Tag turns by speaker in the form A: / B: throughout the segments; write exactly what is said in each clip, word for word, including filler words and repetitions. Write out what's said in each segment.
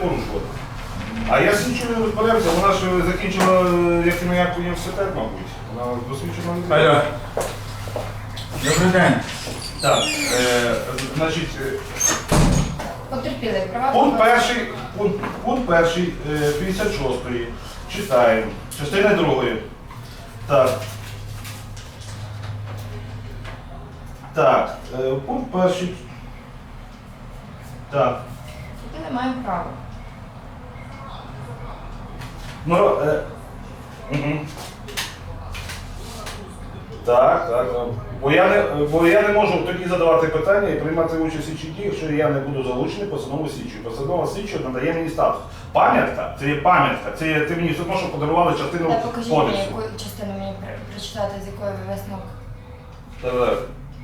A: порушувати. А я слідчою розберемося, вона ж закінчила як і як університет, мабуть. Вона досвідчена людина.
B: Алло. Добрий день.
A: Так, е, значить, е,
C: Потерпіли права.
A: пункт перший, пункт, пункт перший, е, п'ятдесят шостої, читаємо, частина другої. Так. Так, е, пункт перший. Так.
C: Потерпіли маємо право.
A: Ну, е, угу. Так, так. Бо я, не, бо я не можу тоді задавати питання і приймати участь у слідчій дії, якщо я не буду залучений постанову слідчої. Постанова слідчої надає мені статус. Пам'ятка, це є пам'ятка, це є, ти мені все одно, що подарували частину
C: Та покажіть мені,
A: кодексу.
C: яку частину мені при- прочитати, з якої ви висновок.
A: Так.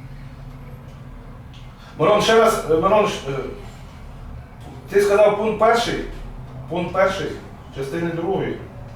A: Мирон, ще раз, е, Мирон, ш- е, ти сказав пункт перший, пункт перший, частини другої.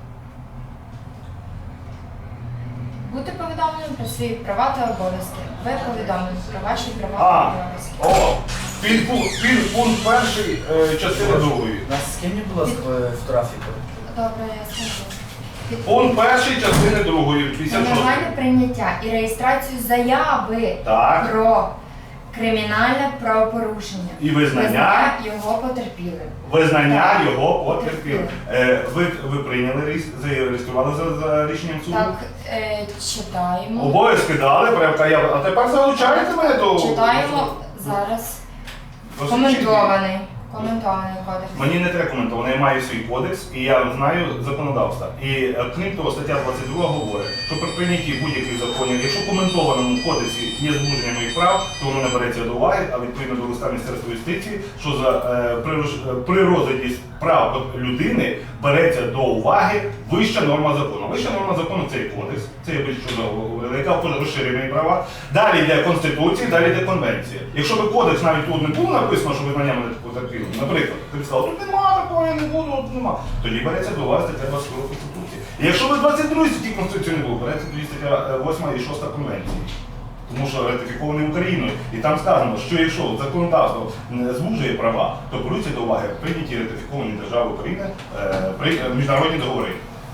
C: Бути повідомленим про свої права та обов'язки. Ви повідомлені про ваші права
A: А,
C: та обов'язки.
A: о, підпункт, підпункт перший, е, частини другої.
B: Нас скинь, будь ласка, в трафіку.
C: Добре, я скажу. Під-
A: Пункт перший, частини другої, п'ятдесят шостої.
C: Негайне прийняття і реєстрацію заяви
A: Так.
C: про кримінальне правопорушення.
A: І визнання.
C: його потерпілим.
A: Визнання його потерпілим. Е, ви, ви прийняли, реєс- зареєстрували за, за рішенням суду?
C: Так, е, читаємо.
A: Обов'язки дали, прям, я, а тепер залучаєте мене до...
C: Читаємо зараз.
A: до
C: Коментований. Коментований кодекс.
A: Мені не треба коментувати, я маю свій кодекс і я знаю законодавство. І е, крім того, стаття двадцять друга говорить, що при прийнятті будь-яких законів, якщо в коментованому кодексі є звуження моїх прав, то воно не береться до уваги, а відповідно до листа Міністерства юстиції, що за, е, при, роз- при розгляді прав людини береться до уваги вища норма закону. Вища норма закону це є кодекс, це є більше, що говорили, яка розширює мої права. Далі йде Конституція, далі йде Конвенція. Якщо би кодекс навіть тут не було написано, що визнання мене потерпілим, наприклад, ти б сказав, тут нема такого, я не буду, тут нема. Тоді береться до уваги стаття двадцять друга Конституції. І якщо би двадцять другій статті Конституції не було, береться тоді стаття восьма і шоста Конвенції. Тому що ратифікований Україною. І там сказано, що якщо законодавство не звужує права, то беруться до уваги прийняті ратифіковані держави України е, при, е, міжнародні договори.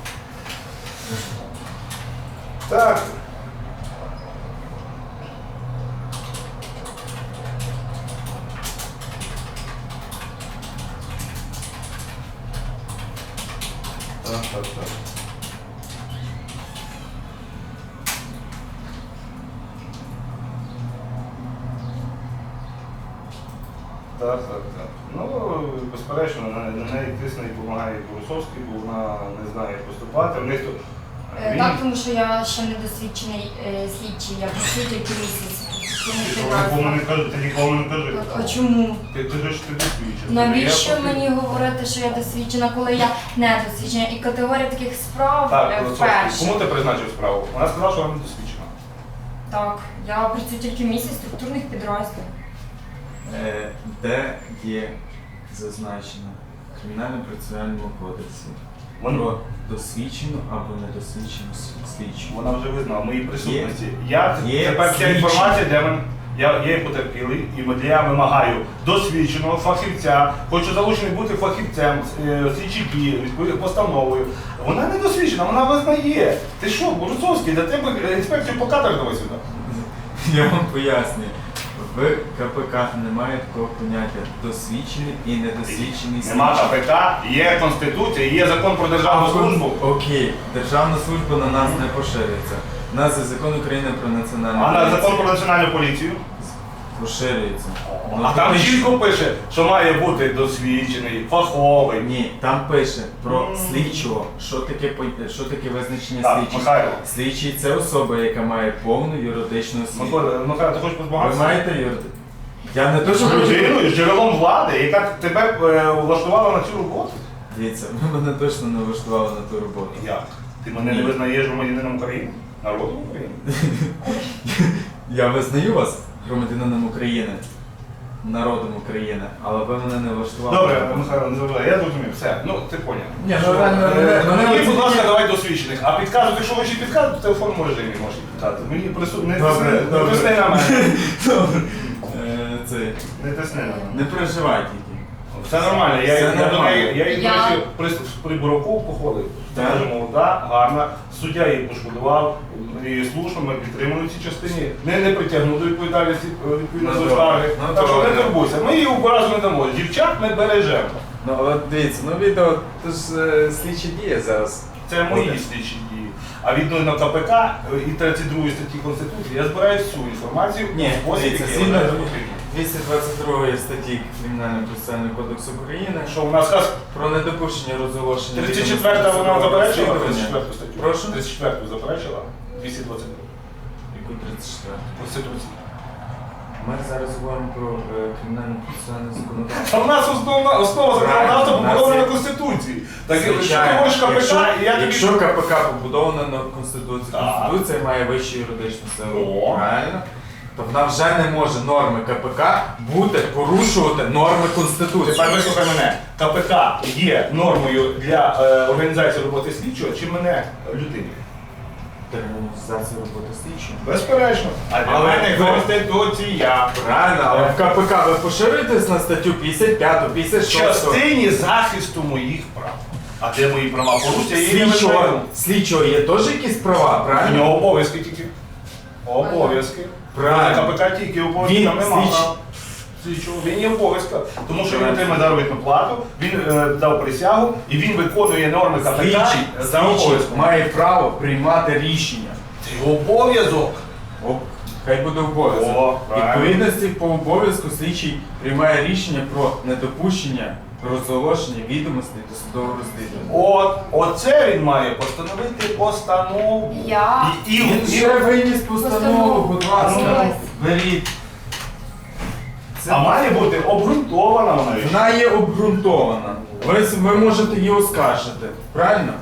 A: Так. Так, так, так. Так, так, так. Ну, безперечно, на, на неї тисне і допомагає Борисовський, бо вона не знає, як поступати. В них тут...
C: Е,
A: Він-
C: Так, тому що я ще не досвідчений е, слідчий, я працюю тільки місяць. Тому
A: Ти
C: що
A: нікому
C: я-
A: не кажи, ти нікому не кажи.
C: Так, а чому?
A: Ти кажеш, ти досвідчений.
C: Навіщо
A: Я
C: мені говорити, що я досвідчена, коли я не досвідчена? І категорія таких справ
A: Так,
C: е,
A: Борисовський,
C: вперше.
A: кому ти призначив справу? Вона сказала, що вона не досвідчена.
C: Так, я працюю тільки місяць в структурних підрозділах.
B: Е, Де є зазначено в Кримінально-процесуальному кодексі
A: Вона,
B: про досвідчену або недосвідчену с- слідчу?
A: вона вже визнала в моїй присутності. Я
B: Є
A: тепер ця
B: слідчі.
A: інформація, де мен, я, я є потерпілий, і я вимагаю досвідченого фахівця, хочу залучений бути фахівцем, е, слідчі дії, відповідно постановою. Вона не досвідчена, вона визнає. Ти що, Борисовський, для тебе інспекцію по кадрах давай сюди.
B: Я вам пояснюю. В КПК немає такого поняття досвідчений і недосвідчений
A: Нема
B: слідчий.
A: КПК, є Конституція, є закон про державну службу.
B: Окей, державна служба на нас не поширюється. У нас є закон України про національну
A: А на
B: поліцію.
A: закон про національну поліцію.
B: Поширюється. Ну,
A: А там
B: то
A: чітко пише, що має бути досвідчений, фаховий.
B: Ні, там пише про
A: М.
B: слідчого, що таке, пон- що таке визначення
A: Так,
B: слідчого.
A: Михайло.
B: Слідчий це особа, яка має повну юридичну освіту.
A: Михайло, Михайло, ти хочеш
B: Ви
A: позбагатися?
B: маєте юридичну? Я не то, що
A: Людиною, з джерелом влади, яка тебе е, влаштувала на цю роботу.
B: Дивіться, ви мене точно не влаштували на ту роботу.
A: Як? Ти мене не визнаєш громадянином України? Народом України?
B: Я визнаю вас громадянином України, народом України, але ви мене не влаштували.
A: Добре, Михайло, не забувай, я зрозумів, все, ну ти поняв.
B: Ні,
A: Що,
B: ну, реально,
A: е,
B: мене- мене
A: Мені,
B: оці-
A: будь ласка, давай досвідчених. А підказувати, якщо ви ще підказуєте, в телефонному режимі можете підказати. Мені прису... не
B: Добре,
A: тисни, не
B: добре.
A: тисни на мене.
B: Добре. Е, Це,
A: Не тисни на мене.
B: не переживай тільки.
A: Все нормально, я,
B: Все
A: я, до
B: нормально.
A: неї, я її,
C: Я-
A: до речі, при, при Бураку походив.
B: Так.
A: Дуже молода, гарна. Суддя її пошкодував, і слушно, ми підтримали в цій частині. Не, не притягнув до відповідальності е, відповідно
B: Ну,
A: до
B: добре.
A: скарги.
B: Ну,
A: Так що не
B: добре.
A: турбуйся, ми її образу не дамо. Дівчат ми бережемо.
B: Ну от дивіться, ну відео, то ж е, слідчі дії зараз.
A: Це мої
B: Буде.
A: слідчі дії. А відповідно КПК е, і тридцять другої статті Конституції я збираю всю інформацію
B: Ні,
A: у спосіб,
B: дивіться,
A: який
B: згідно
A: вважаю за потрібне.
B: двісті двадцять другої статті Кримінального процесуального кодексу України
A: Що у нас каз
B: про недопущення розголошення
A: тридцять
B: відомостей
A: четверта вона
B: судового
A: заперечила,
B: розслідування.
A: тридцять четверту статтю.
B: Прошу?
A: тридцять четверту заперечила, двісті двадцять другу
B: Яку тридцять четверту?
A: Конституції.
B: Ми зараз говоримо про е, кримінальне процесуальне законодавство.
A: Та в нас основна основа
B: Правильно,
A: законодавства
B: у нас
A: побудована
B: є-
A: на Конституції. Так якщо ти
B: Звичайно.
A: говориш КПК,
B: Якщо,
A: і я тобі...
B: якщо КПК побудована на Конституції,
A: Так.
B: Конституція має вищу юридичну силу.
A: О.
B: Правильно? То вона вже не може норми КПК бути порушувати норми Конституції.
A: Тепер вислухай мене. КПК є нормою для е, організації роботи слідчого, чи мене людині?
B: Термінізація роботи слідчого.
A: Безперечно. А для
B: Але
A: мене
B: ви-
A: Конституція.
B: Правильно, але в КПК ви поширюєтесь на статтю п'ятдесят п'яту,
A: В
B: п'ятдесят шосту.
A: частині захисту моїх прав. А де мої права порушення, я її не
B: Слідчого,
A: визнаю.
B: слідчого є теж якісь права,
A: У
B: правильно?
A: нього обов'язки тільки. Обов'язки.
B: Правильно.
A: КПК тільки обов'язки,
B: Він
A: там нема
B: слідчий.
A: прав. Слідчого. Він є обов'язка. Тому що він
B: Правильно.
A: отримає заробітну плату, він е, дав присягу і він виконує норми КПК
B: Слідчий,
A: за
B: слідчий
A: обов'язком.
B: має право приймати рішення.
A: Це його обов'язок.
B: О, хай буде обов'язок.
A: О, правильно.
B: Відповідності по обов'язку слідчий приймає рішення про недопущення розголошення відомостей до судового розслідування.
A: От, оце він має постановити постанову.
C: Я-
A: І, і,
B: Він
A: і,
B: ще виніс постанову,
C: Постанову.
B: будь ласка,
C: Ось.
B: беріть. Це-
A: а має бути обґрунтована вона. річ.
B: Вона є обґрунтована. Ви, ви можете її оскаржити, правильно?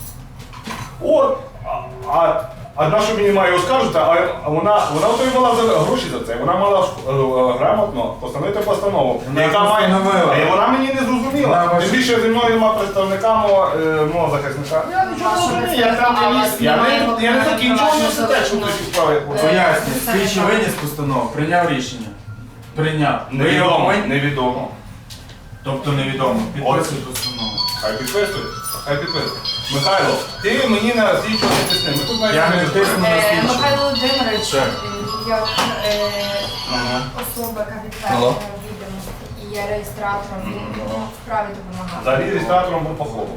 A: От, а, а, а на що мені має оскаржити, а а вона, вона отримала за гроші за це. Вона мала е, грамотно постановити постанову,
B: Вона
A: яка має.
B: постановила.
A: А вона мені не
B: Вона
A: зрозуміла.
B: ваш-
A: Тим більше зі мною нема представника мого, е, мого захисника. Я нічого не
C: Вашого
A: розумію, я там
C: представника,
A: не
C: а
A: ліз.
C: вас
A: Я
C: немає
A: не, я не
C: виконання
A: закінчував
C: вашого
A: університет, щоб
C: закону.
A: ці справи
C: Е,
B: Пояснюю,
C: це
B: слідчий
C: так.
B: виніс постанову, прийняв рішення. Прийняв. Ви його
A: Невідомо,
B: повинні-
A: невідомо.
B: Тобто невідомо. Підписуй постанову.
A: Хай підписує, хай підписує. Михайло, ти мені на слідчого не тисни. Ми тут
B: Я не
A: знаєш,
B: тисну.
C: Е, Михайло Володимирович,
B: Так.
C: е, як е,
A: Ага.
C: особа, яка відповідає відомості і є реєстратором, він ну, вправі допомагати.
A: Взагалі реєстратором був поховок.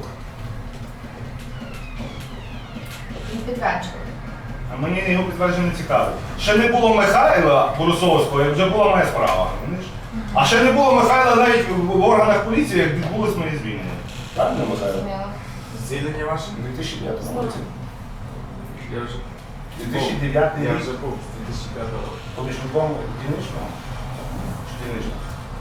C: Він підтверджує.
A: А мені його підтвердження не цікаво. Ще не було Михайла Борисовського, як вже була моя справа. розумієш? А ще не було Михайла навіть в органах поліції, як відбулось моє звільнення. Так, не Михайло?
C: Зрозуміло.
B: Звільнення ваше?
A: У дві тисячі дев'ятому році.
B: Я вже
A: дві тисячі дев'ятий
B: Я
A: рік.
B: вже був з дві тисячі п'ятого року.
A: Помічником дільничного? Чи дільничного?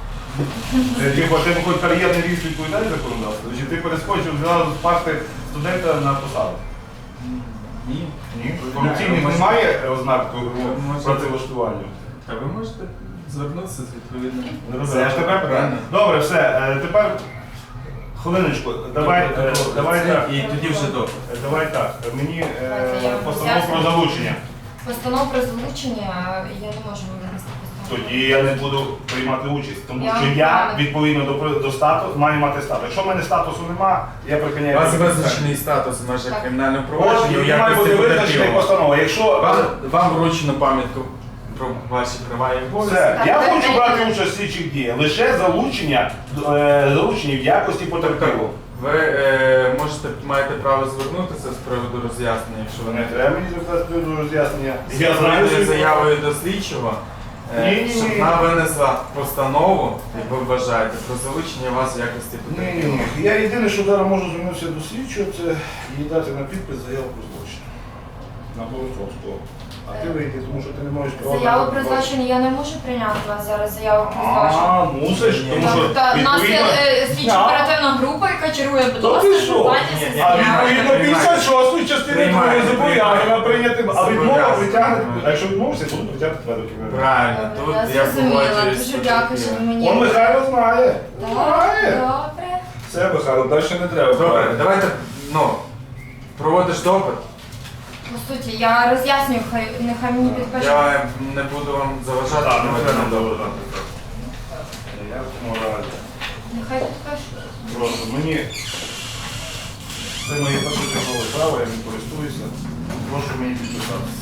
A: Е, Типу, ти хоч кар'єрний ріст відповідає законодавству? Чи ти перескочив зразу з парти студента на посаду?
B: Ні.
A: Ні. Корупційних немає ознак
B: можете-
A: працевлаштування?
B: Та ви можете звернутися з відповідним.
A: Все, я ж тепер
B: Правильно.
A: Добре, все. е, Тепер хвилиночку. Давай, е, давай так.
B: І тоді вже добре.
A: Е, Давай так. Мені е,
C: Давайте я
A: постанову про
C: роз'ясню.
A: залучення.
C: Постанов про залучення я не можу винести постанову.
A: Тоді я не буду приймати участь, тому
C: Я
A: що
C: вам
A: я
C: правильно.
A: відповідно до, до статусу маю мати статус. Якщо в мене статусу нема, я
B: У
A: припиняю.
B: вас
A: відповідальність.
B: визначений статус в межах
C: Так.
B: кримінального
A: От
B: провадження у
A: і має бути
B: якості
A: визначена
B: потерпілого.
A: постанова. Якщо
B: Вам, вам вручено пам'ятку про ваші права і обов'язки.
A: все,
C: Так,
A: я
C: так,
A: хочу
C: так.
A: брати участь в слідчих діях, лише залучення, е, залучення в якості потерпілого.
B: Ви е, можете маєте право звернутися з приводу роз'яснення, якщо ви
A: Не
B: не
A: треба мені звертатися до роз'яснення.
B: я
A: Я знаю,
B: знаю
A: що
B: заявою до слідчого, е,
A: Ні, ні,
B: щоб
A: ні.
B: вона винесла постанову, як ви вважаєте, про залучення вас в якості
A: Ні, ні,
B: потерпілого.
A: ні. Я єдине, що зараз можу звернутися до слідчого, це їй дати на підпис заяву про злочин. На Борисовського. А ти вийди, тому що ти не можеш права.
C: Заяву
A: на
C: про
A: злочин.
C: злочин я не можу прийняти у вас зараз заяву про злочин.
A: А, мусиш,
B: Ні,
A: тому
B: ні.
A: що
C: Тобто в нас є
A: відповідно...
C: е, слідчо оперативна група, яка керує, будь
A: Та
C: ласка,
A: ти що?
C: звертайтеся
B: Ні,
C: з
B: ні,
A: А
C: заявою.
A: відповідно п'ятдесят шостої частини
B: Приймаєте,
A: другої зобов'язана
B: приймаєте.
A: прийняти, а відмова
B: Зобов'язана.
A: притягне, а якщо відмовишся, буду притягнути тебе до кімнати.
B: Правильно,
C: Добре,
B: тут
C: я
B: я
C: зрозуміла.
B: погоджуюсь.
C: Дуже
B: з
C: дякую, що ви
B: потерпілим.
C: мені.
A: Он Михайло знає.
C: Так,
A: Знає.
C: добре.
A: Все, Михайло, далі не треба.
B: Добре, давайте, ну, проводиш допит.
C: По суті, я роз'яснюю, хай нехай мені підпише.
B: Я не буду вам заважати.
A: Так, не
B: проводити
A: треба
B: допит.
A: доводити. Я в цьому разі.
C: Нехай підпишуть.
A: Просто мені це моє першочергове право, я ним користуюся. Прошу мені підписатися.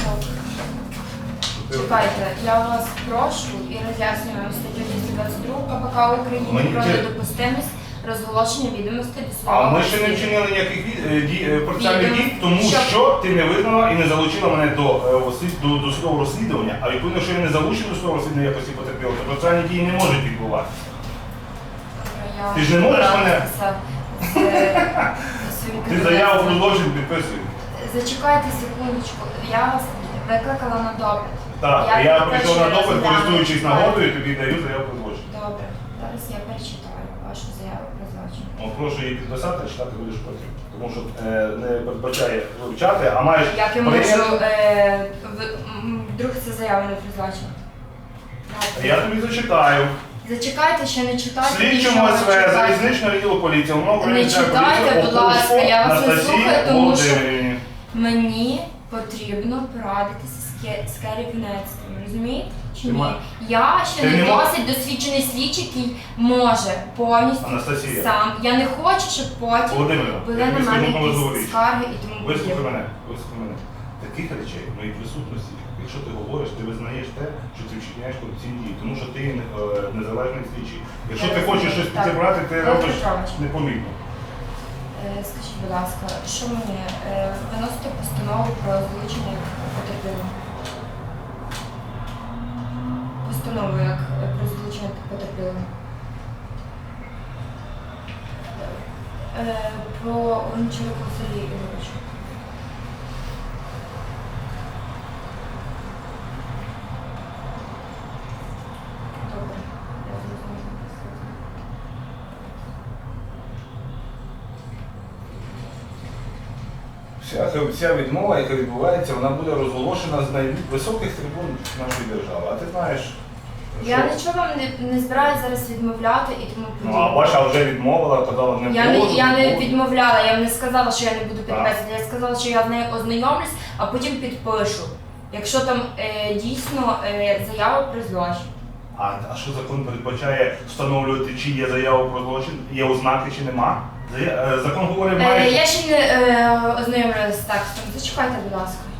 C: Чекайте, я вас прошу і роз'яснюю вам статтю двісті двадцять два КПК України
A: Мені
C: про
A: це-
C: недопустимість розголошення відомостей до
A: А
C: слова.
A: ми ще не вчинили ніяких ві- е, дій, е, процесуальних
C: Відомо-
A: дій, тому
C: що-
A: що ти не визнала і не залучила мене до, е, ослід- до, до судового розслідування, а відповідно, що я не залучений до судового розслідування якості потерпілого, то процесуальні дії не можуть відбуватися.
C: Я
A: Ти ж не можеш мене-
C: розбиратися з, е, своїм
A: Ти заяву про
C: кабінетом.
A: злочин підписуй.
C: Зачекайте секундочку, я вас викликала на допит.
A: Так, я,
C: Я
A: прийшов
C: перше
A: на допит,
C: розгляну.
A: користуючись нагодою, тобі даю заяву про злочин.
C: Добре, зараз я перечитаю вашу заяву про злочин.
A: О, прошу її підписати, а читати будеш потім. Тому що е, не передбачає вивчати, а маєш
C: Як я
A: прийняти-
C: можу, е, ви- м, вдруг це заява не про злочин?
A: Я тобі зачитаю.
C: Зачекайте, ще не читайте.
A: Слідчому
C: нічого,
A: СВ
C: чекайте.
A: залізничного відділу поліції, умов
C: Не читайте, будь ласка, я вас не слухаю, тому що- Мені потрібно порадитися з ке- з керівництвом, розумієте? Чи
A: Ти
C: ні?
A: ма-
C: Я ще
A: Ти
C: не
A: не ма-
C: досить досвідчений слідчий, який може повністю
A: Анастасія.
C: сам. Я не хочу, щоб потім
A: Володимирівна,
C: були
A: я
C: на
A: тобі
C: мене
A: скажу важливу
C: якісь
A: річ.
C: скарги і тому
A: Вислухай
C: подібне.
A: мене, вислухай мене. Таких речей в моїй присутності, якщо ти говориш, ти визнаєш те, що ти вчиняєш корупційні дії, тому що ти е, незалежний слідчий. Якщо
C: Я
A: ти хочеш
C: розумію.
A: щось
C: Так.
A: підібрати, ти
C: Петро
A: робиш
C: Петрович.
A: непомітно.
C: Е, Скажіть, будь ласка, що мені е, виносити постанову про залучення потерпілого? Постанову як е, про залучення потерпілого. Е, Про Гончарука Сергія Ігоровича. Добре, я зрозуміла.
A: Вся, вся відмова, яка відбувається, вона буде розголошена з найвисоких трибун нашої держави. А ти знаєш,
C: Я
A: що-
C: нічого вам не, не збираюся зараз відмовляти і тому
A: Ну, а
C: подібне.
A: ваша вже відмовила, казала не
C: Я не,
A: буду,
C: я не
A: буду.
C: відмовляла, я вам не сказала, що я не буду
A: Так.
C: підписувати. Я сказала, що я з нею ознайомлюсь, а потім підпишу. Якщо там е, дійсно е, заява про злочин.
A: А, а що закон передбачає встановлювати, чи є заява про злочин, є ознаки, чи нема? Зая- е, Закон говорить,
C: Е,
A: має.
C: я ще не е, ознайомлювалася з текстом. Зачекайте, будь ласка.